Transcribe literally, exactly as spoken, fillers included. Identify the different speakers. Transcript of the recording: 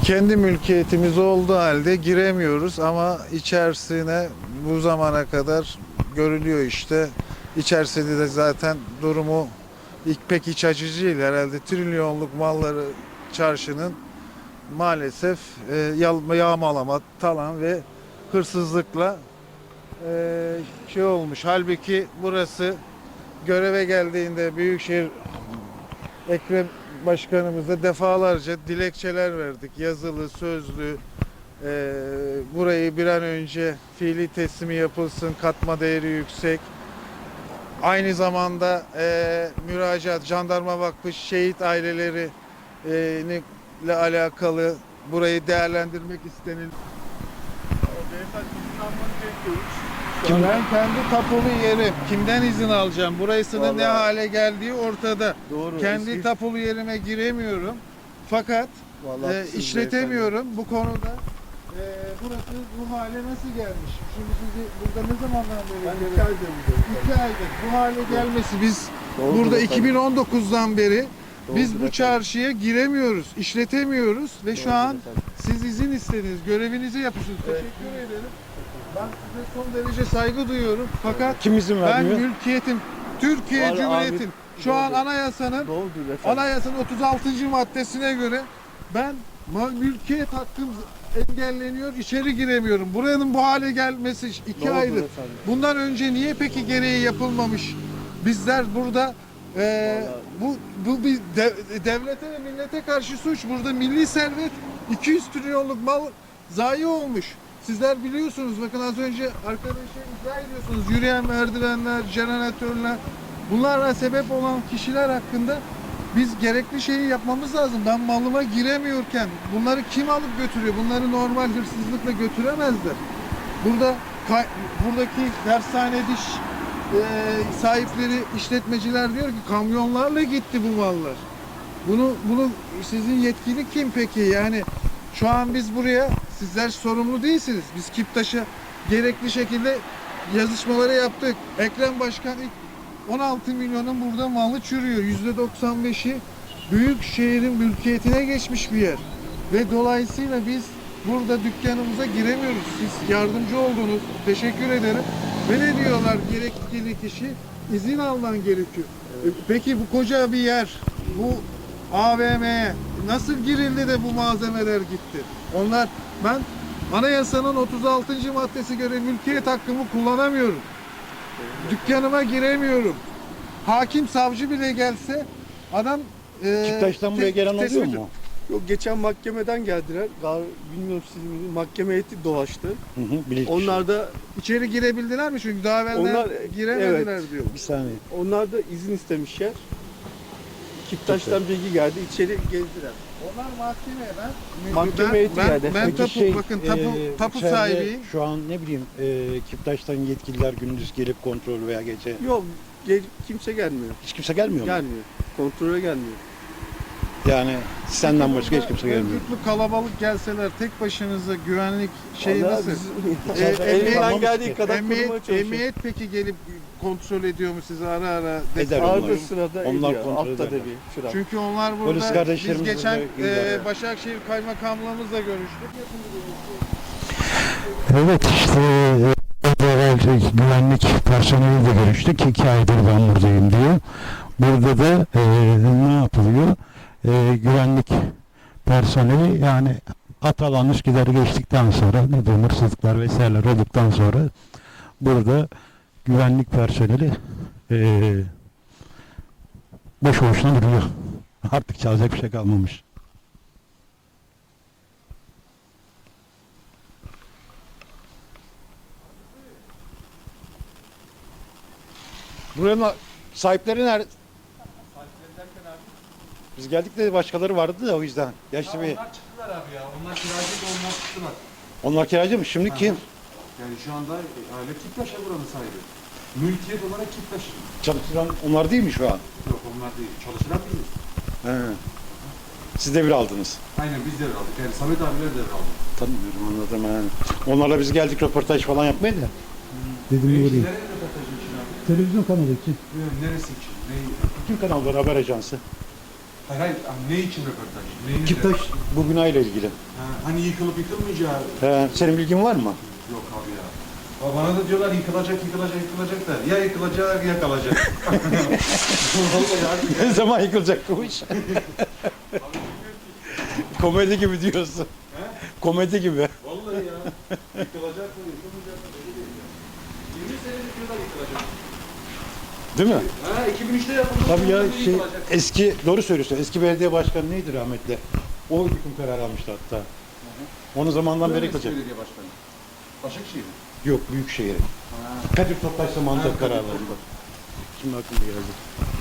Speaker 1: kendi mülkiyetimiz olduğu halde giremiyoruz ama içerisine bu zamana kadar görülüyor işte. İçerisinde de zaten durumu ilk pek iç açıcı değil herhalde. Trilyonluk malları çarşının maalesef e, yağmalama, talan ve hırsızlıkla e, şey olmuş. Halbuki burası göreve geldiğinde Büyükşehir Ekrem Başkanımıza defalarca dilekçeler verdik. Yazılı, sözlü. E, burayı bir an önce fiili teslimi yapılsın, katma değeri yüksek. Aynı zamanda e, müracaat, Jandarma Vakfı şehit aileleri e, ile alakalı burayı değerlendirmek istenildi. Ben kendi tapulu yerim. Kimden izin alacağım? Burasının
Speaker 2: Vallahi,
Speaker 1: ne hale geldiği ortada.
Speaker 2: Doğru.
Speaker 1: Kendi
Speaker 2: Eski...
Speaker 1: tapulu yerime giremiyorum. Fakat
Speaker 2: Vallahi
Speaker 1: e, işletemiyorum. Bu konuda e, burası bu hale nasıl gelmiş? Şimdi sizi burada ne zamandan beri
Speaker 2: Ben
Speaker 1: görüyorum?
Speaker 2: iki aydır buradayım.
Speaker 1: İki aydır. Bu hale gelmesi biz
Speaker 2: Doğru,
Speaker 1: burada
Speaker 2: doğru,
Speaker 1: iki bin on dokuzdan beri
Speaker 2: Doğru,
Speaker 1: biz bu
Speaker 2: efendim.
Speaker 1: çarşıya giremiyoruz, işletemiyoruz ve şu
Speaker 2: Doğru,
Speaker 1: an
Speaker 2: efendim.
Speaker 1: siz izin istediniz, görevinizi yapıyorsunuz.
Speaker 2: Evet.
Speaker 1: Teşekkür ederim. Ben size son derece saygı duyuyorum. Fakat
Speaker 3: Kim izin
Speaker 1: ben
Speaker 3: vermiyor?
Speaker 1: mülkiyetim, Türkiye
Speaker 2: Vallahi
Speaker 1: Cumhuriyeti'nin
Speaker 2: abi,
Speaker 1: şu an
Speaker 2: doğru.
Speaker 1: anayasanın
Speaker 2: Doğrudur efendim.
Speaker 1: anayasanın otuz altıncı maddesine göre ben ma- mülkiyet hakkım engelleniyor, içeri giremiyorum. Buranın bu hale gelmesi iki
Speaker 2: Doğrudur
Speaker 1: aydır.
Speaker 2: efendim.
Speaker 1: Bundan önce niye peki gereği yapılmamış? Bizler burada e, bu bu bir de- devlete ve millete karşı suç. Burada milli servet iki yüz trilyonluk mal zayi olmuş. Sizler biliyorsunuz, bakın az önce arkadaşa izah ediyorsunuz. Yürüyen merdivenler, jeneratörler, bunlara sebep olan kişiler hakkında biz gerekli şeyi yapmamız lazım. Ben malıma giremiyorken bunları kim alıp götürüyor? Bunları normal hırsızlıkla götüremezler. Burada kay- buradaki dershane diş e, sahipleri, işletmeciler diyor ki kamyonlarla gitti bu mallar. Bunu bunu sizin yetkili kim peki? Yani şu an biz buraya, sizler sorumlu değilsiniz. Biz Kiptaş'a gerekli şekilde yazışmaları yaptık. Ekrem Başkan ilk on altı milyonun burada malı çürüyor. yüzde doksan beşi büyük şehrin mülkiyetine geçmiş bir yer. Ve dolayısıyla biz burada dükkanımıza giremiyoruz. Siz yardımcı oldunuz. Teşekkür ederim. Ve ne diyorlar gerekli kişi? İzin alman gerekiyor. E, Peki bu koca bir yer, bu A V M'ye nasıl girildi de bu malzemeler gitti? Onlar, ben anayasanın otuz altıncı maddesi göre mülkiyet hakkımı kullanamıyorum. Dükkanıma giremiyorum. Hakim, savcı bile gelse adam e,
Speaker 3: Kiptaş'tan buraya
Speaker 1: te-
Speaker 3: gelen oluyor
Speaker 1: tespit-
Speaker 3: mu?
Speaker 2: Yok, geçen mahkemeden geldiler. Gal bilmiyorum sizin bildiğiniz, mahkeme heyeti dolaştı.
Speaker 3: Hı hı, bilirkişi.
Speaker 2: Onlar da
Speaker 1: İçeri girebildiler mi? Çünkü daha evvelden
Speaker 2: Onlar-
Speaker 1: giremediler
Speaker 2: evet.
Speaker 1: diyor.
Speaker 3: Bir saniye.
Speaker 2: onlar da izin istemişler. Kiptaş'tan bilgi geldi. İçeri gezdiler.
Speaker 1: Onlar mahkemeye ben
Speaker 2: Mahkeme
Speaker 1: ben,
Speaker 2: heyeti
Speaker 1: ben,
Speaker 2: geldi.
Speaker 1: ben
Speaker 3: Peki
Speaker 1: tapu,
Speaker 3: şey,
Speaker 1: bakın tapu,
Speaker 3: e,
Speaker 1: tapu
Speaker 3: içeride
Speaker 1: sahibiyim.
Speaker 3: Şu an ne bileyim e, Kiptaş'tan yetkililer gündüz gelip kontrol veya gece
Speaker 2: Yok, gel- kimse gelmiyor.
Speaker 3: hiç kimse gelmiyor mu?
Speaker 2: Gelmiyor. Kontrole gelmiyor.
Speaker 3: Yani senden başka hiç kimse gelmiyor.
Speaker 1: Örgütlü kalabalık gelseler tek başınıza güvenlik şey
Speaker 2: Vallahi
Speaker 1: nasıl?
Speaker 2: biz-
Speaker 1: E,
Speaker 2: Elimizden
Speaker 1: emniyet-
Speaker 2: geldiği kadar korumaya
Speaker 1: Emniyet,
Speaker 2: çalışıyoruz.
Speaker 1: emniyet peki gelip kontrol ediyor mu sizi ara ara?
Speaker 3: Eder
Speaker 2: Arada
Speaker 3: onlar.
Speaker 2: sırada
Speaker 3: Onlar
Speaker 2: ediyor.
Speaker 3: kontrol
Speaker 2: Altta da
Speaker 3: ederler.
Speaker 2: bir şurada.
Speaker 1: Çünkü onlar
Speaker 3: Polis
Speaker 1: burada, biz
Speaker 3: kardeşlerimizle
Speaker 1: geçen
Speaker 3: de ilgiler
Speaker 1: e,
Speaker 3: yani.
Speaker 1: Başakşehir Kaymakamlığımızla görüştük.
Speaker 4: Evet işte e, güvenlik personeliyle görüştük. İki aydır ben buradayım diyor. Burada da e, ne yapılıyor? E, güvenlik personeli yani Atalan Üsküdar'ı geçtikten sonra ne diyeyim, hırsızlıklar vesaireler olduktan sonra burada güvenlik personeli e, boş boşuna duruyor. Artık çalacak bir şey kalmamış.
Speaker 3: Buranın sahipleri nerede? Biz geldik de başkaları vardı da o yüzden. Yaşlı bir.
Speaker 5: Onlar çıktılar abi ya. Onlar kiracı da onlar çıktılar.
Speaker 3: Onlar kiracı mı? Şimdi kim?
Speaker 5: Yani şu anda aile Kiptaş ya buranın sahibi. Mülkiyet olarak Kiptaş.
Speaker 3: Çalıştıran onlar değil mi şu an?
Speaker 5: Yok onlar değil. Çalışılan değil.
Speaker 3: He. Siz devir aldınız.
Speaker 5: Aynen biz devraldık. Yani Samet abiler devraldı.
Speaker 3: Tanımıyorum, anladım yani. Onlarla biz geldik röportaj falan yapmaya da.
Speaker 4: Dedim
Speaker 5: Peki
Speaker 4: göreyim.
Speaker 5: nereye röportajın için abi?
Speaker 4: Televizyon kanalı için.
Speaker 5: Ee, Neresi için? Neyi?
Speaker 3: Bütün kanallar, haber ajansı.
Speaker 5: Hayır hayır. Ne için röportaj? Neyin
Speaker 3: Kiptaş
Speaker 5: üzerine?
Speaker 3: bu binayla ilgili.
Speaker 5: Ha, hani yıkılıp yıkılmayacağı.
Speaker 3: He, senin bilgin var mı?
Speaker 5: Yok abi ya. Ba- Bana da diyorlar yıkılacak, yıkılacak, yıkılacak da. Ya yıkılacak ya kalacak. Vallahi abi.
Speaker 3: Ne zaman yıkılacak bu iş? Komedi gibi diyorsun.
Speaker 5: He?
Speaker 3: Komedi gibi.
Speaker 5: Vallahi ya. Yıkılacak mı, yıkılmayacak mı belli değil ya. yirmi senedir diyorlar yıkılacak.
Speaker 3: Değil mi?
Speaker 5: Ha iki bin üçte yapıldı.
Speaker 3: Tabii ya
Speaker 5: sonra
Speaker 3: şey,
Speaker 5: yıkılacak.
Speaker 3: eski doğru söylüyorsun. Eski belediye başkanı neydi rahmetli? O yıkım kararı almıştı hatta. Onun zamandan beri
Speaker 5: Eski
Speaker 3: yıkılacak.
Speaker 5: belediye başkanı. Başakşehir.
Speaker 3: Yok Büyükşehir'i.
Speaker 5: Ha.
Speaker 3: Kadir Topbaş zamanında
Speaker 5: Ha,
Speaker 3: karar
Speaker 5: Kadir
Speaker 3: aldı. Şimdi aklıma geldi.